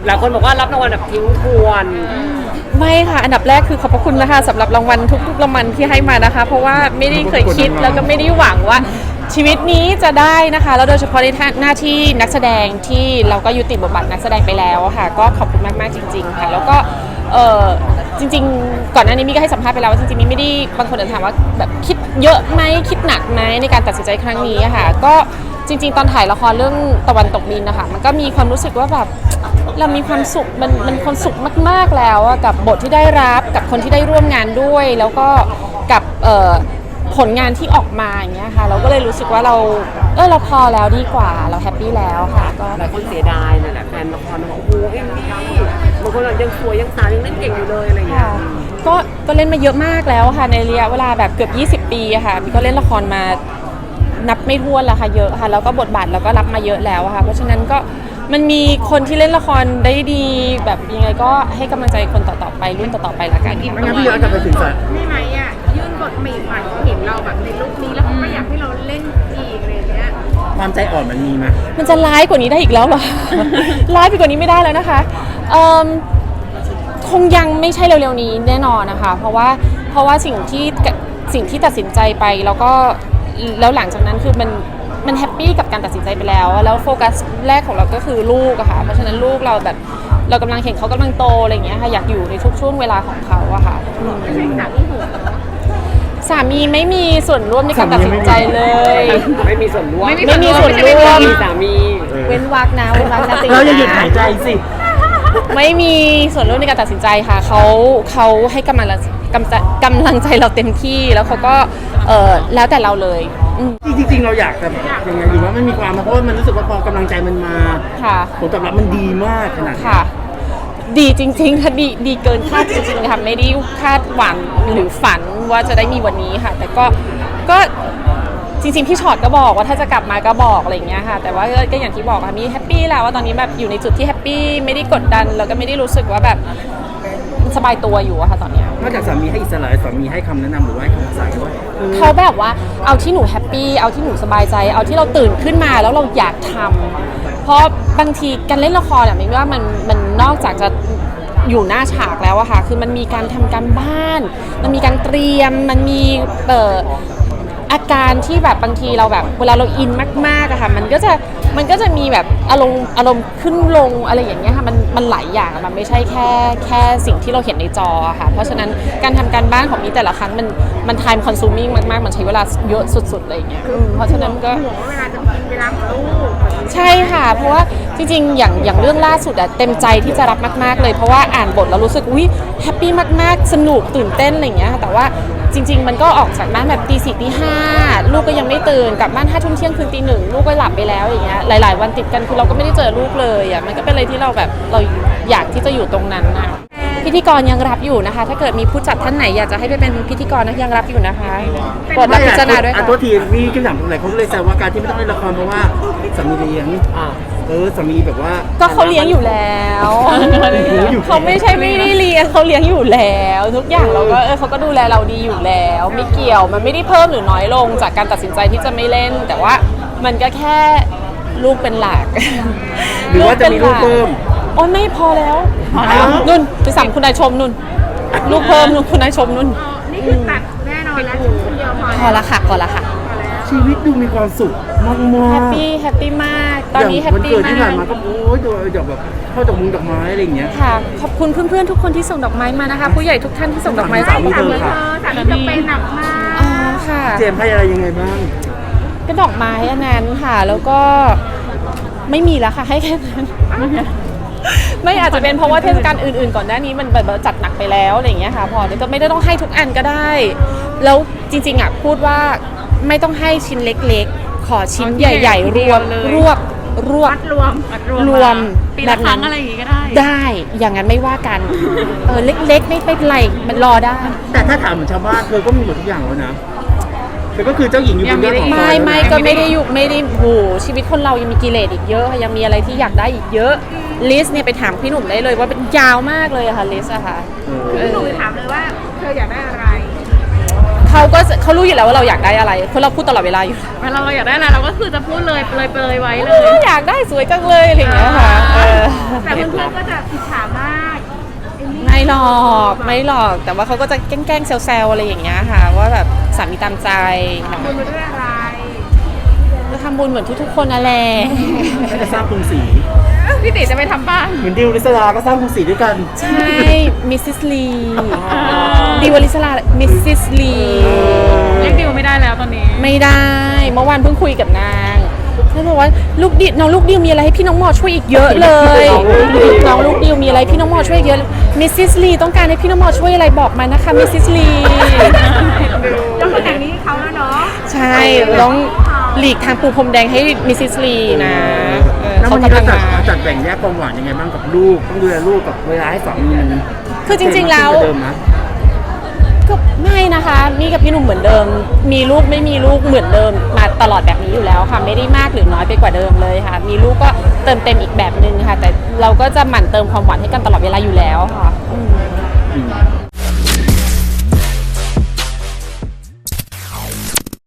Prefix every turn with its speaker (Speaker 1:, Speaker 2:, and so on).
Speaker 1: หลายคนบอกว่ารับรางวัลแบบทิ้งทวน
Speaker 2: ไม่ค่ะอันดับแรกคือขอบพระคุณนะคะสำหรับรางวัลทุกๆรางวัลที่ให้มานะคะ เพราะว่าไม่ได้เคยคิดแล้วก็ไม่ได้หวังว่าชีวิตนี้จะได้นะคะแล้วโดยเฉพาะในหน้าที่นักแสดงที่เราก็ยุติบทบาทนักแสดงไปแล้วค่ะก็ขอบคุณมากๆจริงๆค่ะแล้วก็จริงๆก่อนหน้านี้มีก็ให้สัมภาษณ์ไปแล้วว่าจริงๆมีไม่ได้บางคนอาจจะถามว่าแบบคิดเยอะไหมคิดหนักไหมในการตัดสินใจครั้งนี้ค่ะก็จริงๆตอนถ่ายละครเรื่องตะวันตกดินนะคะมันก็มีความรู้สึกว่าแบบเรามีความสุขมันความสุขมากๆแล้วกับบทที่ได้รับกับคนที่ได้ร่วมงานด้วยแล้วก็กับผลงานที่ออกมาอย่างเงี้ยค่ะเราก็เลยรู้สึกว่าเราพอแล้วดีกว่าเราแฮปปี้แล้วค่ะก็
Speaker 1: หลายคนเสียดายนั่นแหละแฟนละครบอกโอ้โหเอ็มมี่บางคนยังสวยยังสาวยังเล่นเก่งอยู่เลยอะไรอย่างเงี้ย
Speaker 2: ก็เล่นมาเยอะมากแล้วค่ะในระยะเวลาแบบเกือบ20 ปีอะค่ะมีก็เล่นละครมานับไม่ถ้วนแล้วค่ะเยอะค่ะแล้วก็บทบาทเราก็รับมาเยอะแล้วค่ะเพราะฉะนั้นก็มันมีคนที่เล่นละครได้ดีแบบยังไงก็ให้กำลังใจคนต่อๆไปรุ่นต่อๆไปละกัน
Speaker 3: ไม่งั้นพี่ย้อนกลับไปถึง
Speaker 4: นี่ไหมอ่ะยื่นบทใหม่ๆเห็นเราแบบในลุคนี้แล้วเขาก็อยากให้เราเล่นอีกอะไรอย่างเงี้ย
Speaker 3: ความใจอ่อนมันมีไหม
Speaker 2: มันจะร้ายกว่านี้ได้อีกแล้วเหรอ ร้ายไปกว่านี้ไม่ได้แล้วนะคะคงยังไม่ใช่เร็วๆนี้แน่นอนนะคะเพราะว่าสิ่งที่ตัดสินใจไปแล้วหลังจากนั้นคือมันแฮปปี้กับการตัดสินใจไปแล้วโฟกัสแรกของเราก็คือลูกอะค่ะเพราะฉะนั้นลูกเราแบบเรากำลังเห็นเขากำลังโตอะไรอย่างเงี้ยค่ะอยากอยู่ในทุกช่วงเวลาของเขาอะค่ะสามีไม่มีส่วนร่วมในการตัดสินใจเลย
Speaker 1: ไม่มีส่วนร่วม
Speaker 2: ไม่มีส่วนร่วม
Speaker 1: สามี
Speaker 2: เว้นวรรคนะติ
Speaker 3: เราอย่าหยุดหายใจสิ
Speaker 2: ไม่มีส่วนร่วมในการตัดสินใจค่ะเขาให้กำลังใจเราเต็มที่แล้วเขาก็แล้วแต่เราเลย
Speaker 3: จริงๆเราอยากจะยังไงดีว่ามันมีความเพราะว่ามันรู้สึกว่าพอกำลังใจมันมาผลตอบรับมันดีมากขนาด
Speaker 2: ค่ะดีจริงๆค่ะดีเกินคาดจริงๆค่ะไม่ได้คาดหวังหรือฝันว่าจะได้มีวันนี้ค่ะแต่ก็จริงๆพี่ชอตก็บอกว่าถ้าจะกลับมาก็บอกอะไรอย่างเงี้ยค่ะแต่ว่าก็อย่างที่บอกค่ะมีแฮปปี้แล้วว่าตอนนี้แบบอยู่ในจุดที่แฮปปี้ไม่ได้กดดันแล้วก็ไม่ได้รู้สึกว่าแบบสบายตัวอยู่อะค่ะตอนนี้
Speaker 3: นอกจากสามีให้อิสระสามีให้คำแนะนำหรือว่าให้คำสั่งด้วย
Speaker 2: เขาแบบว่าเอาที่หนูแฮปปี้เอาที่หนูสบายใจเอาที่เราตื่นขึ้นมาแล้วเราอยากทำเพราะบางทีการเล่นละครอะไม่ว่ามันนอกจากจะอยู่หน้าฉากแล้วอะค่ะคือมันมีการทำการบ้านมันมีการเตรียมมันมีอาการที่แบบบางทีเราแบบเวลาเราอินมากๆอะค่ะมันก็จะมีแบบอารมณ์ขึ้นลงอะไรอย่างเงี้ยค่ะมันหลายอย่างมันไม่ใช่แค่สิ่งที่เราเห็นในจอค่ะเพราะฉะนั้นการทำการบ้านของมีแต่ละครั้งมัน time consuming มากๆมันใช้เวลาเยอะสุดๆเลยอย่างเงี้ยเพราะฉะนั้นก็
Speaker 4: ห่วงว่าเวลาจะกินเวลาของลูก
Speaker 2: ใช่ค่ะเพราะว่าจริงๆอย่างเรื่องล่าสุดอะเต็มใจที่จะรับมากๆเลยเพราะว่าอ่านบทแล้วรู้สึกอุ๊ยแฮปปี้มากๆสนุกตื่นเต้นอะไรอย่างเงี้ยแต่ว่าจริงๆมันก็ออกจากบ้านแบบตี 4 ตี 5ลูกก็ยังไม่ตื่นกลับบ้าน5 ทุ่มเที่ยงคืนตี 1ลูกก็หลับไปแล้วอย่างเงี้ยหลายๆวันติดกันคือเราก็ไม่ได้เจอลูกเลยอ่ะมันก็เป็นอะไรที่เราแบบเราอยากที่จะอยู่ตรงนั้นนะพิธีกรยังรับอยู่นะคะถ้าเกิดมีผู้จัดท่านไหนอยากจะให้ไปเป็นพิธีกรนะยังรับอยู่นะคะโปรดรับพิจารณาด้วยค่ะ
Speaker 3: ตัวทีมีคำถามตรงไหนเขาเลยแซวว่าการที่ไม่ต้องเล่นละครเพราะว่าสามีเลี้ยงสามีแบบว่า
Speaker 2: ก็เขาเลี้ยงอยู่แล้วเขาไม่ใช่ไม่ได้เลี้ยงเขาเลี้ยงอยู่แล้วทุกอย่างเราก็เขาก็ดูแลเราดีอยู่แล้วไม่เกี่ยวมันไม่ได้เพิ่มหรือน้อยลงจากการตัดสินใจที่จะไม่เล่นแต่ว่ามันก็แค่ลูกเป็นหลัก
Speaker 3: หรือว่าจะมีลูกเพิ่ม
Speaker 2: โอ้ยไม่พอแล้วนุ่นไปสั่งคุณนายชมนุ่นลูกเพิ่มนุ่นคุณนายชมนุ่น
Speaker 4: นี่คือตัดแน่นอนแล้วคนเดียว
Speaker 2: พอละค่ะพอละค่ะ
Speaker 3: ชีวิตดูมีความสุขมาก
Speaker 2: แฮปปี้มากตอนนี้แฮปปี้มาก
Speaker 3: วันเกิดที่ผ่านมาก็โอ้ยดอกแบบเข้าดอกมุงดอกไม้อะไรอย่างเงี้ย
Speaker 2: ค่ะขอบคุณเพื่อนๆทุกคนที่ส่งดอกไม้มานะคะผู้ใหญ่ทุกท่านที่ส่งดอกไม้
Speaker 3: สามีเธอค่ะ
Speaker 4: สามีจะเป็นหนักมาก
Speaker 2: ค่ะ
Speaker 3: เจมให้อะไรยังไงบ้าง
Speaker 2: ก็ดอกไม้อันนั้นค่ะแล้วก็ไม่มีแล้วค่ะให้แค่นั้นไม่อาจจะเป็นเพราะว่าเทศกาลอื่นๆก่อนหน้านี้มันแบบจัดหนักไปแล้วอะไรอย่างเงี้ยค่ะพอจะไม่ได้ต้องให้ทุกอันก็ได้แล้วจริงๆอ่ะพูดว่าไม่ต้องให้ชิ้นเล็กๆขอชิ้นใหญ่ๆรวม
Speaker 4: ปีละครั้งอะไรอย่างงี้ก็
Speaker 2: ได้อย่างนั้นไม่ว่ากันเล็กๆไม่เป็นไรมันรอได้
Speaker 3: แต่ถ้าถามเหมือนชาวบ้านเธอก็มีหมดทุกอย่างแล้วนะเธอก็คือเจ้าหญิงอยู่บนยอดของ
Speaker 2: ไม่ก็ไม่ได้อยู่ไม่ได้โหชีวิตคนเรายังมีกิเลสอีกเยอะยังมีอะไรที่อยากได้อีกเยอะลิสต์เนี่ยไปถามพี่หนุ่มได้เลยว่าเป็นยาวมากเลยค่ะลิสต์อะค่ะ
Speaker 4: พี่หนุ่มถามเลยว่าเธออยากได้อะไร
Speaker 2: เขารู้อยู่แล้วว่าเราอยากได้อะไรเพราะเราพูดตลอดเวลาอยู่
Speaker 4: เวลาเราอยากได้อะไรเราก็คือจะพูดเลยไว้เลย
Speaker 2: อยากได้สวยจังเลยอะไรอย่างเงี้ยค่ะ
Speaker 4: แต่เพื่เพื่อนก็จะอิจฉามากเอมมี่
Speaker 2: ไม่หรอกแต่ว่าเขาก็จะแกล้งๆแซวๆอะไรอย่างเงี้ยค่ะว่าแบบสามีตามใจ
Speaker 4: บุญมาด้วยอะไร
Speaker 2: ก็ทำบุญเหมือนทุกๆคนนั่นแหละ
Speaker 3: ก็จะสร้างกรุงศรี
Speaker 4: พี่ติจะไปทำบ้าน
Speaker 3: เหมือนดิวลิสลาก็สร้างกรุงศรีด้วยกัน
Speaker 2: ใช่มิสซิสลีดิวลิสลามิสซิสลี
Speaker 4: เรียกดิวไม่ได้แล้วตอนนี้
Speaker 2: ไม่ได้เมื่อวานเพิ่งคุยกับนางเขาบอกว่าน้องลูกดิวมีอะไรให้พี่น้องหมอช่วยอีกเยอะเลยน้องลูกดิวมีอะไรพี่น้องหมอช่วยอีกเยอะมิสซิสลีต้องการให้พี่น้องหมอช่วยอะไรบอกมานะคะมิสซิสลี
Speaker 4: แล้วคนอย่างนี้เขาแล้วเนาะ
Speaker 2: ใช่ต้องหลีกทางปูพรมแดงให้มิสซิสลีนะ
Speaker 3: แล้ววัน
Speaker 2: เขากำ
Speaker 3: นี้
Speaker 2: ลั
Speaker 3: เรา
Speaker 2: งมา
Speaker 3: จัดแบ่งแยกความหวานยังไงบ้างกับลูกต้องดูแลลูกกับเวลาให้สามีมัน
Speaker 2: คือจริงๆแล้ว
Speaker 3: เดิมนะ
Speaker 2: ก็ไม่นะคะมี่กับพี่หนุ่มเหมือนเดิม มีลูกไม่มีลูกเหมือนเดิมมาตลอดแบบนี้อยู่แล้วค่ะไม่ได้มากหรือน้อยไปกว่าเดิมเลยค่ะ มีลูกก็เติมเต็มอีกแบบนึงค่ะ แต่เราก็จะหมั่นเติมความหวานให้กันตลอดเวลาอยู่แล้วค่ะ